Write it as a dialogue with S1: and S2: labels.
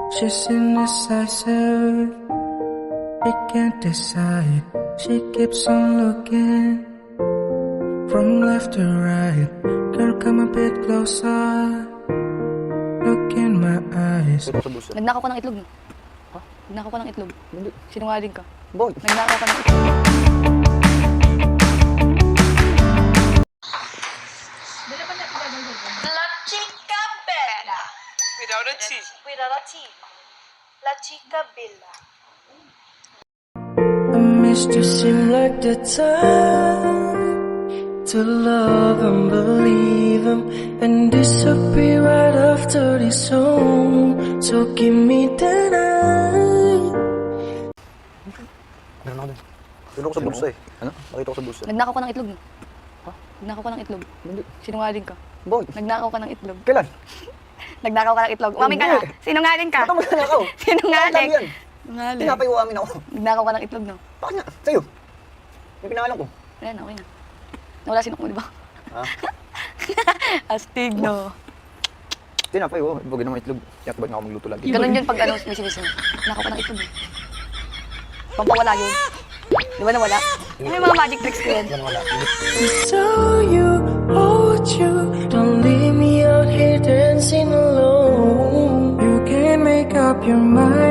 S1: She's indecisive, she can't decide. She keeps on looking from left to right. Girl, come a bit closer, look in my eyes.
S2: Nagnakaw ka ng itlog, no?
S3: Ha?
S2: Nagnakaw ka ng itlog.
S3: Hindi.
S2: Sinungaling ka.
S3: Boy.
S2: Nagnakaw ka ng itlog.
S4: La chica bella.
S5: Without a T.
S4: Without a T. La chica bella.
S1: I missed you, seem like the time to love and believe him and disappear right after this song. So give me the night.
S3: Meron ako dun. Meron ako sa bulsa eh. Ano? Nakita ko sa bulsa.
S2: Nagnakaw ka ng itlog, no?
S3: Ha?
S2: Nagnakaw ka ng itlog.
S3: Hindi.
S2: Sinungaling ka.
S3: Boy.
S2: Nagnakaw ka ng itlog.
S3: Kailan?
S2: Nagnakaw ka ng itlog. Umamin ka na.
S3: Hindi.
S2: Sinungaling ka.
S3: Ba't ako magnanakaw?
S2: Sinungaling.
S3: Yan.
S2: Sinungaling.
S3: Tinapay ko amin ako.
S2: Nagnakaw ka ng itlog, no?
S3: Bakit nga? Sa'yo. Yung pinangalan ko.
S2: Ayan, okay na. Nawala sinok mo, di ba?
S3: Ha?
S2: Astig, no?
S3: Tinapay ko. Ibagay naman itlog. Kaya ba't nga ako magluto lagi?
S2: Ganun yun pag ano, may sinis mo. Nagnakaw ka ng itlog, eh. Pampawala yun. Di ba nawala? May mga magic tricks ko yan.
S3: Yan wala.
S1: Saw you, hold you. Don't leave me out here dancing alone. You can't make up your mind.